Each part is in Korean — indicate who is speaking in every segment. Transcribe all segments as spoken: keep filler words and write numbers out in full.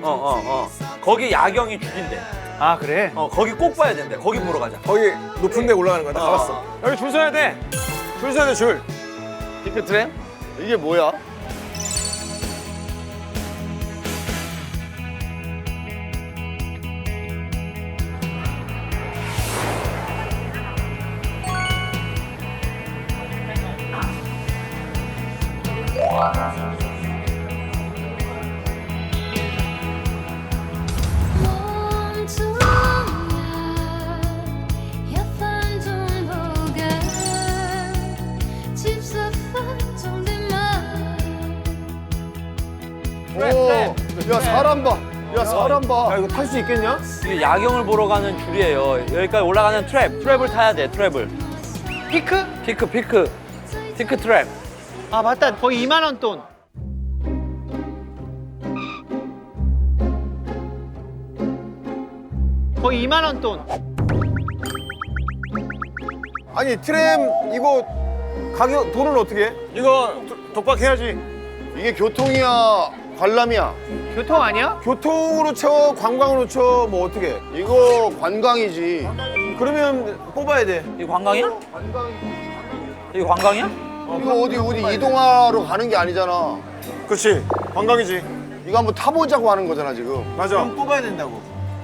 Speaker 1: 어, 어. 거기 야경이 줄인대.
Speaker 2: 아 그래?
Speaker 1: 어, 거기 꼭 봐야 된대. 거기 보러 가자.
Speaker 3: 거기 높은 데 올라가는 거야. 나
Speaker 1: 어.
Speaker 3: 가봤어. 여기 줄 서야 돼. 줄 서야 돼, 줄.
Speaker 4: 피크 트램? 이게 뭐야? 오, 야 사람 봐. 야 사람
Speaker 3: 야,
Speaker 4: 봐.
Speaker 3: 이거 탈 수 있겠냐?
Speaker 1: 이게 야경을 보러 가는 줄이에요. 여기까지 올라가는 트랩. 트랩을 타야 돼, 트랩을.
Speaker 2: 피크?
Speaker 1: 피크, 피크. 피크 트랩.
Speaker 2: 아 맞다. 거의 이만 원 돈. 거의 이만 원 돈.
Speaker 3: 아니, 트램 이거 가격, 돈은 어떻게 해? 이거 도- 독박해야지.
Speaker 4: 이게 교통이야, 관람이야.
Speaker 2: 교통 아니야?
Speaker 3: 교통으로 쳐, 관광으로 쳐, 뭐 어떻게 해?
Speaker 4: 이거 관광이지.
Speaker 3: 그러면 뽑아야 돼.
Speaker 1: 이거 관광이야? 이거 관광이야?
Speaker 4: 이거 어디 어디 이동하러 가는 게 아니잖아.
Speaker 3: 그렇지, 관광이지.
Speaker 4: 이거 한번 타보자고 하는 거잖아 지금.
Speaker 3: 맞아. 그럼 뽑아야 된다고.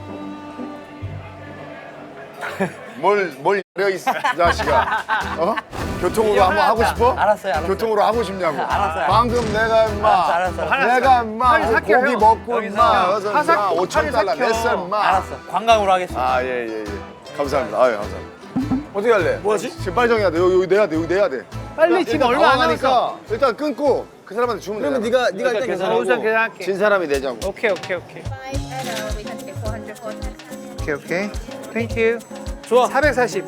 Speaker 4: 뭘뭘 내가 이 자식아. 어? 교통으로 한번 하고 싶어?
Speaker 1: 알았어요, 알았어요.
Speaker 4: 교통으로 하고 싶냐고.
Speaker 1: 알았어요.
Speaker 4: 방금 내가 임마.
Speaker 1: 알았어, 알았어.
Speaker 4: 내가 임마
Speaker 2: 빨리 삭혀,
Speaker 4: 고기
Speaker 2: 형.
Speaker 4: 먹고
Speaker 1: 여기서
Speaker 4: 임마. 그래서
Speaker 2: 사 삭-
Speaker 4: 임마 오천
Speaker 2: 빨리
Speaker 4: 달러
Speaker 2: 삭혀.
Speaker 4: 냈어 임마.
Speaker 1: 알았어. 관광으로 하겠습니다.
Speaker 4: 아 예 예 예. 감사합니다. 아유 감사합니다.
Speaker 3: 어떻게 할래? 뭐 하지?
Speaker 4: 지금 빨리 정해야 돼. 여기, 여기 내야 돼. 여기 내야 돼.
Speaker 2: 빨리 지금
Speaker 4: 일단
Speaker 2: 얼마 안
Speaker 4: 당황하니까
Speaker 2: 남았어.
Speaker 4: 일단 끊고 그 사람한테 주면 돼.
Speaker 3: 그러면 네가 네가 일단
Speaker 2: 어,
Speaker 3: 계산하고.
Speaker 2: 우선 계산할게.
Speaker 4: 진 사람이 내자고.
Speaker 2: 오케이 오케이 오케이.
Speaker 5: Five and uh, we can take four hundred for
Speaker 2: 오케이 오케이. 땡큐.
Speaker 3: 좋아.
Speaker 2: 사백사십.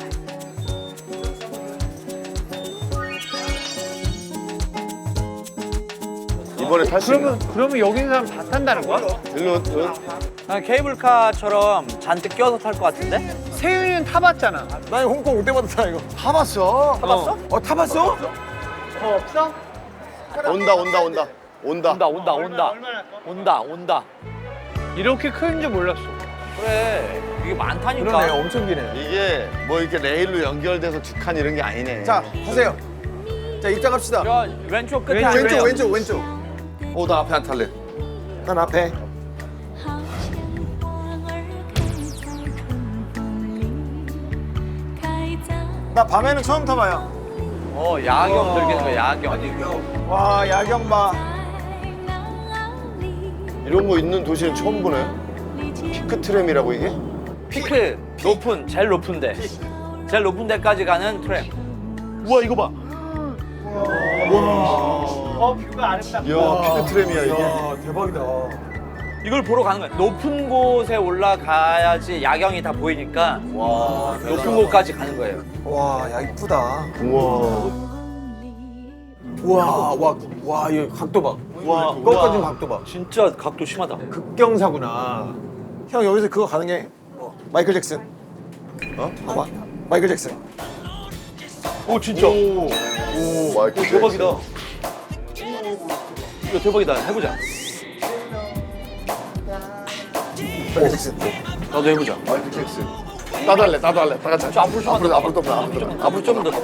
Speaker 4: 이번에 탈 수 있나?
Speaker 2: 그러면 그러면 여기 있는 사람 다 탄다는 거야?
Speaker 4: 일로 어?
Speaker 1: 그냥 케이블카처럼 잔뜩 끼워서 탈 것 같은데?
Speaker 2: 세윤이는 타봤잖아.
Speaker 3: 나 이거 홍콩 올 때마다 타 이거.
Speaker 4: 타봤어.
Speaker 1: 타봤어?
Speaker 3: 어, 타봤어?
Speaker 2: 더 없어?
Speaker 4: 온다 온다 온다 온다.
Speaker 1: 온다, 온다, 온다. 온다, 온다.
Speaker 2: 이렇게 큰 줄 몰랐어.
Speaker 1: 그래. 이게 많다니까.
Speaker 3: 그러네, 엄청 기네.
Speaker 4: 이게 뭐 이렇게 레일로 연결돼서 두 칸 이런 게 아니네.
Speaker 3: 자, 타세요. 자, 입장합시다.
Speaker 1: 저 왼쪽 끝에
Speaker 2: 왼쪽,
Speaker 3: 왼쪽,
Speaker 1: 앉으래요.
Speaker 3: 왼쪽, 왼쪽.
Speaker 4: 어, 나 앞에 안 탈래.
Speaker 3: 난 앞에. 나 밤에는 처음 타봐요.
Speaker 1: 어, 야경 들겠는 거야, 야경.
Speaker 3: 와, 야경 봐.
Speaker 4: 이런 거 있는 도시는 처음 보네. 피크 트램이라고 이게?
Speaker 1: 피크, 높은, 제일 높은데. 제일 높은 데까지 가는 트램.
Speaker 4: 우와 이거 봐.
Speaker 2: 어 뷰가 아름답다.
Speaker 4: 이야 피크 트램이야 이게.
Speaker 3: 와, 대박이다.
Speaker 1: 이걸 보러 가는 거야. 높은 곳에 올라가야지 야경이 다 보이니까
Speaker 4: 와
Speaker 1: 높은 곳까지 가는 거예요.
Speaker 3: 와, 야, 이쁘다.
Speaker 4: 우와.
Speaker 3: 와, 와, 와, 이 각도 봐.
Speaker 4: 와,
Speaker 3: 거기까지 각도 봐.
Speaker 1: 진짜 각도 심하다.
Speaker 3: 극경사구나. 형, 여기서 그거 가능해? 어, 마이클 잭슨. 어? 봐봐. 마이클 잭슨.
Speaker 1: 오, 진짜.
Speaker 4: 오, 오 마이클 잭슨.
Speaker 1: 대박이다. 이거 대박이다. 해보자.
Speaker 3: 마이클 잭슨.
Speaker 1: 나도 해보자.
Speaker 4: 마이클 잭슨. 나도 할래, 나도 할래. 다 같이.
Speaker 1: 저 앞으로 좀
Speaker 4: 앞으로
Speaker 1: 더.
Speaker 4: 앞으로 더, 앞으로 더.
Speaker 1: 앞으로 좀 더.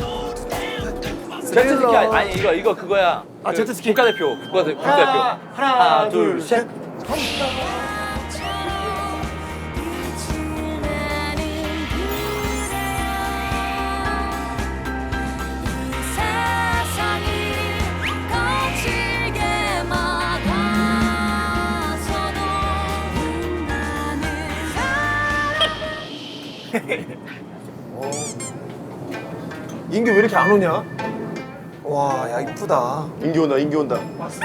Speaker 1: 제트스키 아니, 아니 이거 이거 그거야.
Speaker 3: 아,
Speaker 1: 그
Speaker 3: 제트스키.
Speaker 1: 국가대표. 국가대, 국가대표. 하나, 둘, 셋.
Speaker 3: 인규 왜 이렇게 안 오냐? 와, 야, 이쁘다.
Speaker 4: 인기 온다, 인기 온다.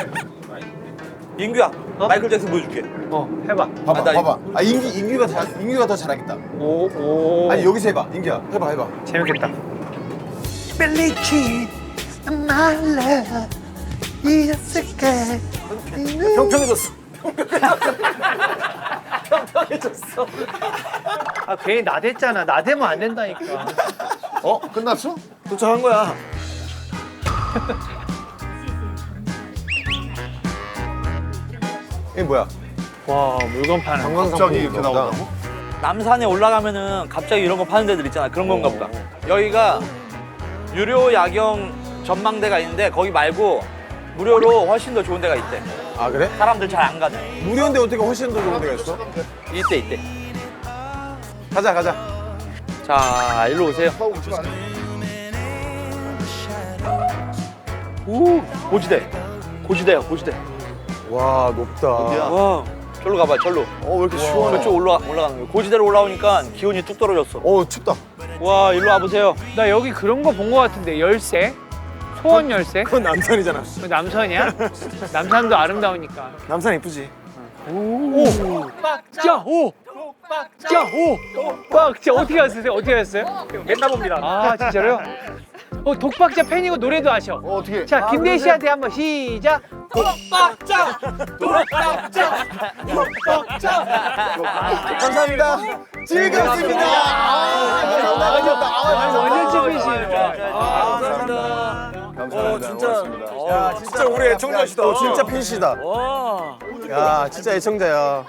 Speaker 1: 인규야, 마이클 잭슨 보여줄게.
Speaker 2: 어 해봐.
Speaker 3: 봐봐,
Speaker 1: 아, 나
Speaker 3: 봐봐. 아, 인규, 인규가 잘, 인규가 더 잘하겠다.
Speaker 2: 오 오.
Speaker 3: 아니, 여기서 해봐. 인규야, 해봐, 해봐.
Speaker 2: 재밌겠다.
Speaker 3: 평평해졌어.
Speaker 2: 아 괜히 나댔잖아. 나대면 안 된다니까.
Speaker 4: 어? 끝났어?
Speaker 3: 도착한 거야. 이게 뭐야?
Speaker 2: 와 물건 파는. 거.
Speaker 4: 갑자기 이렇게 나온다고?
Speaker 1: 남산에 올라가면은 갑자기 이런 거 파는 데들 있잖아. 그런 건가 보다. 여기가 유료 야경 전망대가 있는데 거기 말고 무료로 훨씬 더 좋은 데가 있대.
Speaker 3: 아 그래?
Speaker 1: 사람들 잘 안 가는.
Speaker 3: 무료인데 어떻게 훨씬 더 좋은 데가 있어?
Speaker 1: 이때 이때.
Speaker 3: 가자 가자.
Speaker 1: 자, 일로 오세요.
Speaker 4: 하고 오지 마.
Speaker 1: 오, 고지대. 고지대야, 고지대.
Speaker 3: 와 높다.
Speaker 1: 와, 절로 가봐, 절로.
Speaker 4: 어, 왜 이렇게 시원해?
Speaker 1: 저쪽 올라 올라가는 거예요. 고지대로 올라오니까 기온이 뚝 떨어졌어.
Speaker 3: 어 춥다.
Speaker 1: 와, 일로 와 보세요.
Speaker 2: 나 여기 그런 거 본 거 같은데 열쇠? 소원 열쇠?
Speaker 3: 그건 남산이잖아.
Speaker 2: 그 남산이야? 남산도 아름다우니까.
Speaker 3: 남산 이쁘지.
Speaker 2: 빡자 오! 빡자 오! 빡자 어떻게 하셨어요? 어떻게 하셨어요?
Speaker 1: 맨날 봅니다.
Speaker 2: 아 진짜로요? 어 독박자 팬이고 노래도 아셔.
Speaker 4: 어, 어떻게?
Speaker 2: 자 김대희 씨한테 한번 시작.
Speaker 3: 감사합니다. 즐겁습니다. 아, 감사합니다. 아,
Speaker 2: 완전 찐이시네.
Speaker 1: 감사합니다.
Speaker 4: 감사합니다.
Speaker 1: 진짜.
Speaker 4: 고맙습니다.
Speaker 3: 야 진짜 우리 애청자시다. 어, 진짜 팬시다.
Speaker 1: 와.
Speaker 3: 야 진짜 애청자야.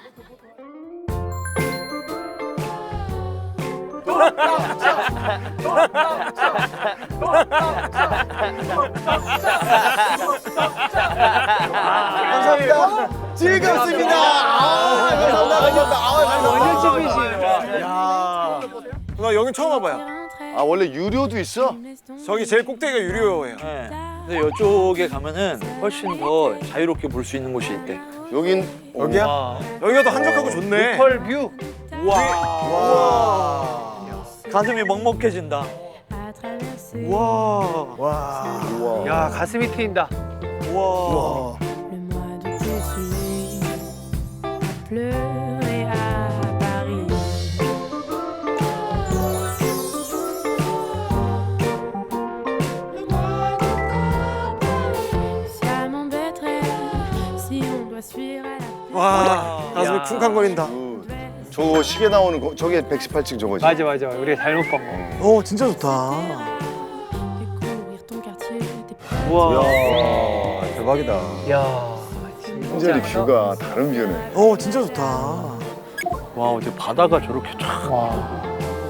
Speaker 3: 감사합니다. 즐겁습니다. 아, 감사합니다. 감사합니다. 아,
Speaker 2: 완전
Speaker 3: 감사합니다.
Speaker 2: 찐이시네.
Speaker 3: 야, 나 여기 처음 와봐요.
Speaker 4: 아, 원래 유료도 있어?
Speaker 3: 저기 제일 꼭대기가 유료예요.
Speaker 1: 네. 근데 이쪽에 가면은 훨씬 더 자유롭게 볼 수 있는 곳이 있대.
Speaker 4: 여긴
Speaker 3: 여기야?
Speaker 2: 와.
Speaker 3: 여기가 더 한적하고 좋네.
Speaker 2: 펄 뷰.
Speaker 3: 와.
Speaker 1: 가슴이 먹먹해진다.
Speaker 3: 와. 와.
Speaker 4: 우와.
Speaker 2: 야 가슴이 트인다.
Speaker 3: 와.
Speaker 6: Le mois de juillet pleurait à Paris. Ça m'embêterait si on doit suivre à la
Speaker 3: 와. 가슴이
Speaker 1: 야.
Speaker 3: 쿵쾅거린다.
Speaker 4: 그, 저 시계 나오는 거, 저게 백십팔 층 저거지?
Speaker 2: 맞아 맞아 우리가 잘못 본 거.
Speaker 3: 오 진짜 좋다.
Speaker 6: découvrir ton quartier, tes petits
Speaker 1: 우와.
Speaker 3: 야 대박이다.
Speaker 2: 야
Speaker 4: 완전히 뷰가 다른 뷰네.
Speaker 3: 오 진짜 좋다.
Speaker 1: 와, 어제 바다가 저렇게 쫙.
Speaker 2: 와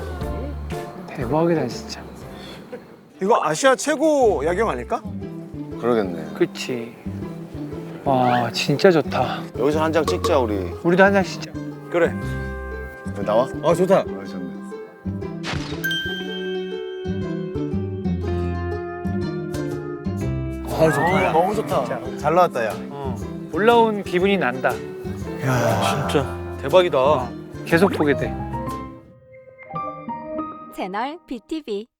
Speaker 2: 대박이다 진짜.
Speaker 3: 이거 아시아 최고 야경 아닐까?
Speaker 4: 그러겠네.
Speaker 2: 그치. 와 진짜 좋다.
Speaker 4: 여기서 한 장 찍자, 우리.
Speaker 2: 우리도 한 장씩 찍자.
Speaker 1: 그래.
Speaker 4: 나와?
Speaker 3: 아 좋다.
Speaker 4: 아, 좋네.
Speaker 3: 아 좋다. 너무 좋다. 잘 나왔다 야.
Speaker 2: 어. 올라온 기분이 난다.
Speaker 3: 야
Speaker 1: 진짜 대박이다.
Speaker 2: 계속 보게 돼.
Speaker 7: 채널 비티비